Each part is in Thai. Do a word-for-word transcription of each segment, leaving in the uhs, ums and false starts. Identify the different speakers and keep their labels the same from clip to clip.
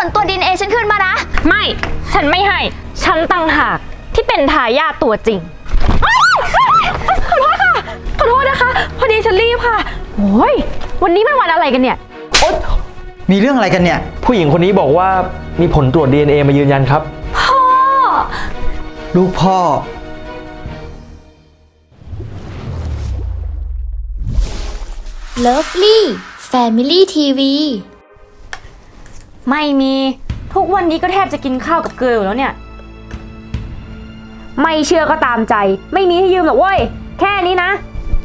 Speaker 1: ตัว ดี เอ็น เอ ฉันคืนมานะ
Speaker 2: ไม่ฉันไม่ให้ฉันตั้งหากที่เป็นทายาทตัวจริงขอโทษค่ะขอโทษนะคะพอดีฉันรีบค่ะโอ้ยวันนี้มันวันอะไรกันเนี่ยโอ๊ย
Speaker 3: มีเรื่องอะไรกันเนี่ย
Speaker 4: ผู้หญิงคนนี้บอกว่ามีผลตรวจ ดี เอ็น เอ มายืนยันครับ
Speaker 2: พ่อ
Speaker 3: ลูกพ่อ
Speaker 1: เลิฟลี่แฟมิลี่ทีวี
Speaker 2: ไม่มีทุกวันนี้ก็แทบจะกินข้าวกับเกลืออยู่แล้วเนี่ยไม่เชื่อก็ตามใจไม่มีให้ยืมหรอกเว้ยแค่นี้นะ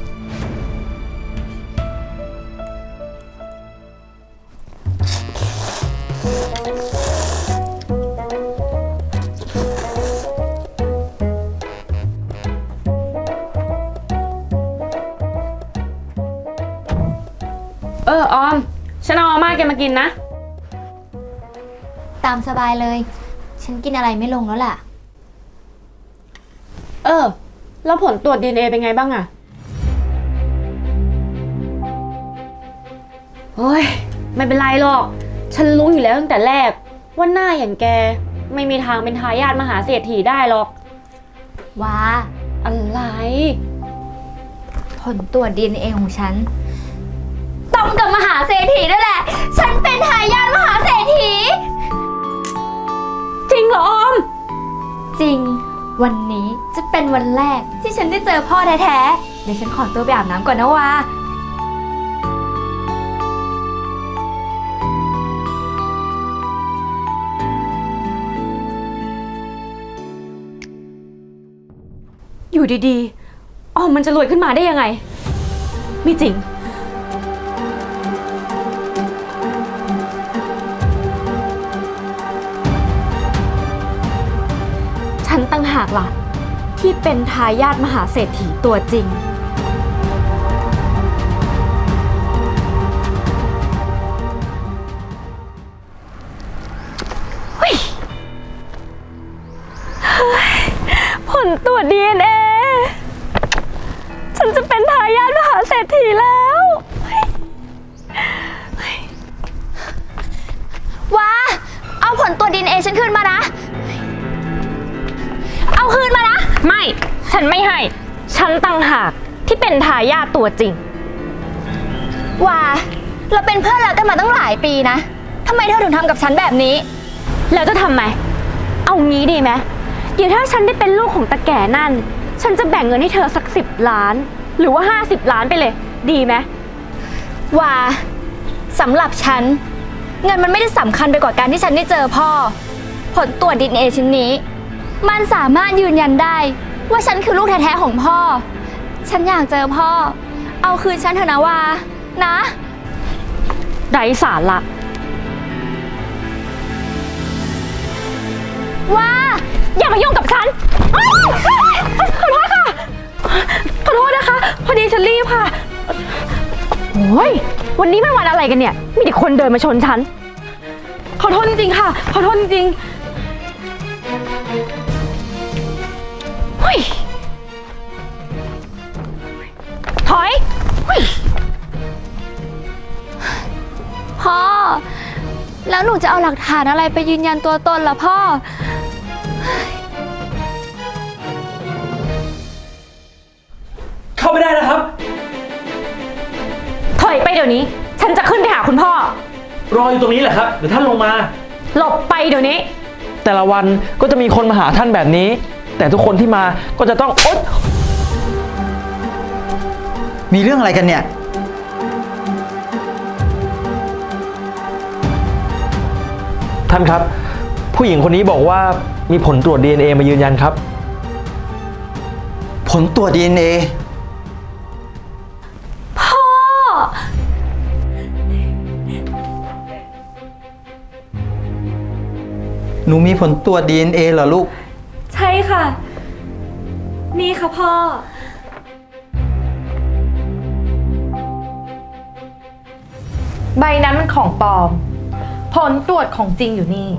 Speaker 2: เออออมฉันเอามาม่าแกมากินนะ
Speaker 1: ตามสบายเลยฉันกินอะไรไม่ลงแล้วล่ะ
Speaker 2: เออแล้วผลตรวจ ดี เอ็น เอ เป็นไงบ้างอะโอ้ยไม่เป็นไรหรอกฉันรู้อยู่แล้วตั้งแต่แรกว่าหน้าอย่างแกไม่มีทางเป็นทายาทมหาเศรษฐีได้หรอก
Speaker 1: ว้า
Speaker 2: อะไร
Speaker 1: ผลตรวจ ดี เอ็น เอ ของฉันตรงกับมหาเศรษฐีนั่นแหละฉันเป็นทายาทมหาเศรษฐี
Speaker 2: จริงเหรอออม
Speaker 1: จริงวันนี้จะเป็นวันแรกที่ฉันได้เจอพ่อแท้ๆเดี๋ยวฉันขอตัวไปอาบน้ำก่อนนะวา
Speaker 2: อยู่ดีๆออมมันจะรวยขึ้นมาได้ยังไงไม่จริงฉันตั้งหากล่ะที่เป็นทายาทมหาเศรษฐีตัวจริงผลตรวจ ดี เอ็น เอ ฉันจะเป็นทายาทมหาเศรษฐีแล้ว
Speaker 1: ว้าเอาผลตรวจ ดี เอ็น เอ ฉันคืนมานะเอาคืนมานะ
Speaker 2: ไม่ฉันไม่ให้ฉันตั้งหากที่เป็นทายาทตัวจริง
Speaker 1: ว้าเราเป็นเพื่อนรักกันมาตั้งหลายปีนะทำไมเธอถึงทำกับฉันแบบนี้
Speaker 2: แล้วจะทำไมเอางี้ดีไหมเดี๋ยวถ้าฉันได้เป็นลูกของตาแก่นั่นฉันจะแบ่งเงินให้เธอสักสิบล้านหรือว่าห้าสิบล้านไปเลยดีไหม
Speaker 1: ว้าสำหรับฉันเงินมันไม่ได้สำคัญไปกว่าการที่ฉันได้เจอพ่อผลตรวจ ดี เอ็น เอ ชิ้นนี้มันสามารถยืนยันได้ว่าฉันคือลูกแท้ๆของพ่อฉันอยากเจอพ่อเอาคืนฉันเถอะนะวานะ
Speaker 2: ไร้สาระ
Speaker 1: ว่า
Speaker 2: อย่ามายุ่งกับฉันขอโทษค่ะขอโทษนะคะพอดีฉันรีบค่ะโอ้ยวันนี้มันวันอะไรกันเนี่ยมีแต่คนเดินมาชนฉันขอโทษจริงๆค่ะขอโทษจริงๆเฮ้ยถอยเฮ้ย
Speaker 1: พ่อแล้วหนูจะเอาหลักฐานอะไรไปยืนยันตัวตนล่ะพ่อ
Speaker 4: เข้าไม่ได้นะครับ
Speaker 2: ถอยไปเดี๋ยวนี้ฉันจะขึ้นไปหาคุณพ่อ
Speaker 4: รออยู่ตรงนี้แหละครับเดี๋ยวท่านลงมา
Speaker 2: หลบไปเดี๋ยวนี้
Speaker 4: แต่ละวันก็จะมีคนมาหาท่านแบบนี้แต่ทุกคนที่มาก็จะต้องอด
Speaker 3: มีเรื่องอะไรกันเนี่ย
Speaker 4: ท่านครับผู้หญิงคนนี้บอกว่ามีผลตรวจ ดี เอ็น เอ มายืนยันครับ
Speaker 3: ผลตรวจ ดี เอ็น เอ
Speaker 2: พ่อ
Speaker 3: หนูมีผลตรวจ ดี เอ็น เอ เหรอลูก
Speaker 2: ใช่ค่ะนี่ค่ะพ่อใบนั้นมันของปลอมผลตรวจของจริงอยู่นี่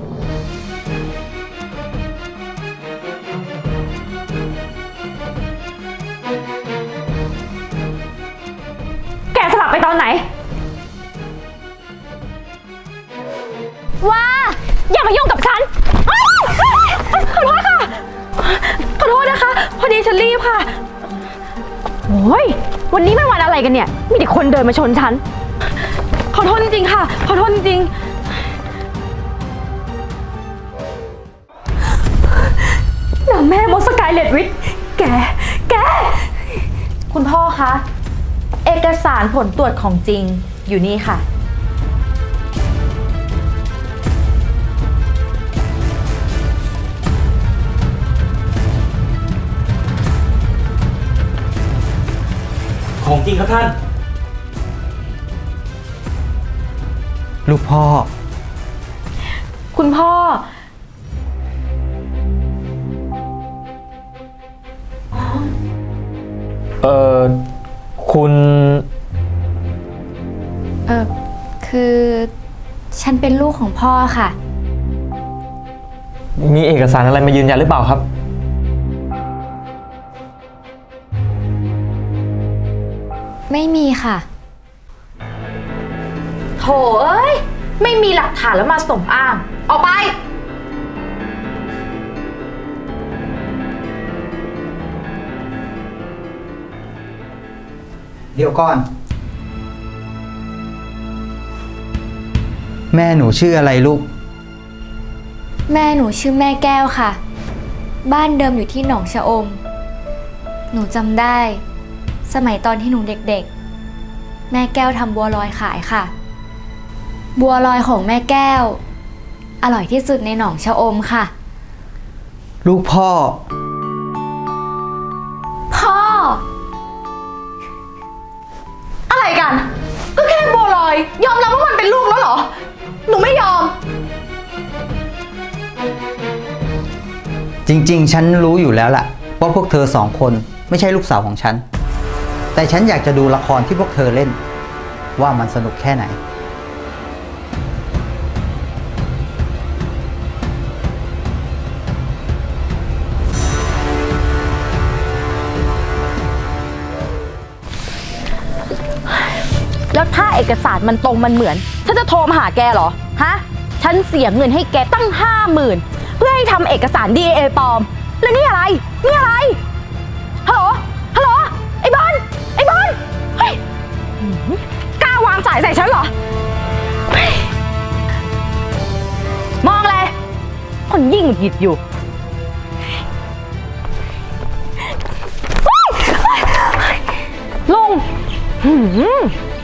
Speaker 2: แกสลับไปตอนไหน
Speaker 1: ว้า
Speaker 2: อย่ามายุ่งกับฉันอ้าวขอโทษค่ะ ขอโทษนะคะ พอดีฉันรีบค่ะ โอ้ย วันนี้มันวันอะไรกันเนี่ย มีแต่คนเดินมาชนฉัน ขอโทษจริงๆค่ะ ขอโทษจริงๆนางแม่มดสกายเลดวิทแก แก
Speaker 5: คุณพ่อคะ เอกสารผลตรวจของจริงอยู่นี่ค่ะ
Speaker 4: ของจริงครับท่าน
Speaker 3: ลูกพ่อ
Speaker 5: คุณพ่อ
Speaker 4: เอ่อ คุณ
Speaker 1: เออคือฉันเป็นลูกของพ่อค่ะ
Speaker 4: มีเอกสารอะไรมายืนยันหรือเปล่าครับ
Speaker 1: ไม่มีค่ะ
Speaker 5: โถเอ้ย ไม่มีหลักฐานแล้วมาสมอ้าง ออกไป
Speaker 3: เดี๋ยวก่อน แม่หนูชื่ออะไรลูก
Speaker 1: แม่หนูชื่อแม่แก้วค่ะ บ้านเดิมอยู่ที่หนองชะอม หนูจำได้ สมัยตอนที่หนูเด็กๆ แม่แก้วทำบัวลอยขายค่ะ บัวลอยของแม่แก้ว อร่อยที่สุดในหนองชะอมค่ะ
Speaker 3: ลูกพ่อ
Speaker 1: พ่อ
Speaker 5: อะไรกัน ก็แค่บัวลอย ยอมรับว่ามันเป็นลูกแล้วเหรอ หนูไม่ยอม
Speaker 3: จริงๆ ฉันรู้อยู่แล้วล่ะว่าพวกเธอสองคนไม่ใช่ลูกสาวของฉัน แต่ฉันอยากจะดูละครที่พวกเธอเล่น ว่ามันสนุกแค่ไหน
Speaker 5: แล้วถ้าเอกสารมันตรงมันเหมือน ฉันจะโทรมาหาแกเหรอ ฮะ ฉันเสียเงินให้แกตั้งห้าหมื่นเพื่อให้ทำเอกสาร ดี เอ็น เอ ปลอม แล้วนี่อะไร นี่อะไร ฮัลโหล ฮัลโหล ไอ้บอล ไอ้บอล เฮ้ยหือกล้าวางสายใส่ฉันเหรอเฮ้ยมองเลย คนยิ่งหงุดหงิดอยู่เฮ้ยเฮ้ยเฮ้ยลุงหืม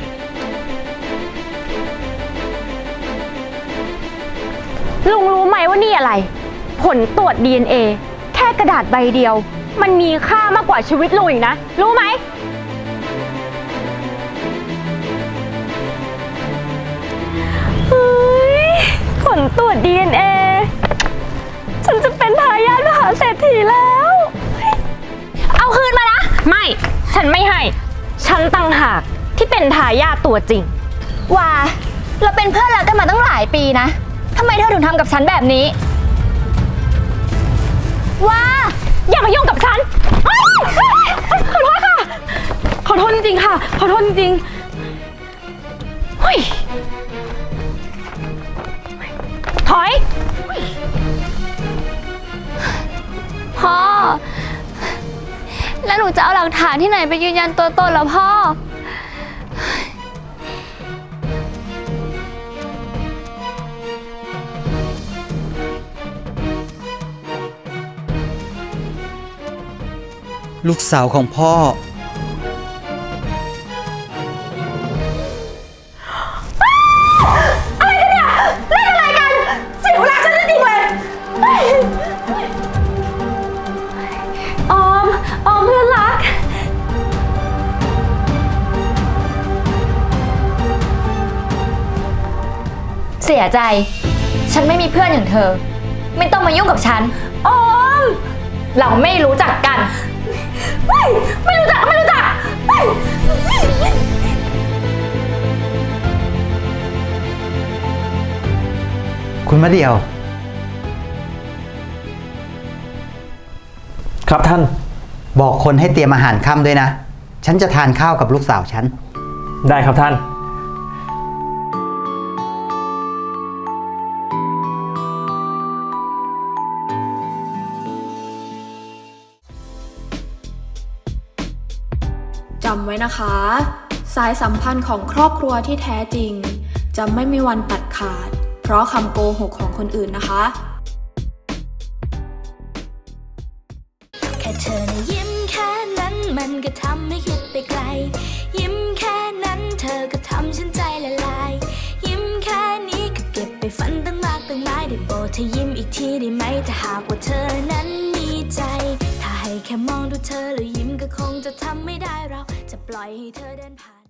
Speaker 5: ลุงรู้ไหมว่านี่อะไร ผลตรวจ ดี เอ็น เอ แค่กระดาษใบเดียว มันมีค่ามากกว่าชีวิตลุงอีกนะ รู้ไหม เฮ้ย ผลตรวจ ดี เอ็น เอ ฉันจะเป็นทายาทมหาเศรษฐีแล้ว
Speaker 2: เอาคืนมานะ ไม่ ฉันไม่ให้ ฉันตั้งหากที่เป็นทายาทตัวจริง
Speaker 1: ว่าเราเป็นเพื่อนรักกันมาตั้งหลายปีนะทำไมเธอถึงทำกับฉันแบบนี้ ว่า
Speaker 2: อย่ามายุ่งกับฉันอ้าวขอโทษค่ะ
Speaker 5: ขอโทษจริงๆค่ะ ขอโทษจริง
Speaker 2: เฮ้ย ถอย
Speaker 1: พ่อ แล้วหนูจะเอาหลักฐานที่ไหนไปยืนยันตัวตนล่ะพ่อ
Speaker 3: ลูกสาวของพ่อ
Speaker 5: ๆ เสียเวลาฉันจริงๆเลย
Speaker 2: ออม ออมเพื่อนรัก
Speaker 1: เสียใจ ฉันไม่มีเพื่อนอย่างเธอ ไม่ต้องมายุ่งกับฉัน
Speaker 2: ออม
Speaker 1: เราไม่รู้จักกัน
Speaker 2: ไม่ไม่รู้จัก ไม่รู้จักไม่
Speaker 3: คุณมะเดี่ยว
Speaker 4: ครับท่าน
Speaker 3: บอกคนให้เตรียมอาหารค่ำด้วยนะ ฉันจะทานข้าวกับลูกสาวฉัน
Speaker 4: ได้ครับท่าน
Speaker 6: ำไว้นะคะ สายสัมพันธ์ของครอบครัวที่แท้จริง จะไม่มีวันตัดขาด เพราะคำโกหกของคนอื่นนะคะ
Speaker 1: แค่เธอนะยิ้มแค่นั้นมันก็ทำให้คิดไปไกล ยิ้มแค่นั้นเธอก็ทำฉันใจละลาย ยิ้มแค่นี้ก็เก็บไปฝันตั้งมากตั้งหลายได้โปรดเธอยิ้มอีกทีได้ไหมถ้าหากว่าเธอนั้นมีใจ ถ้าให้แค่มองดูเธอแล้วยิ้มก็คงจะทำไม่ได้เราจะปล่อยให้เธอเดินผ่าน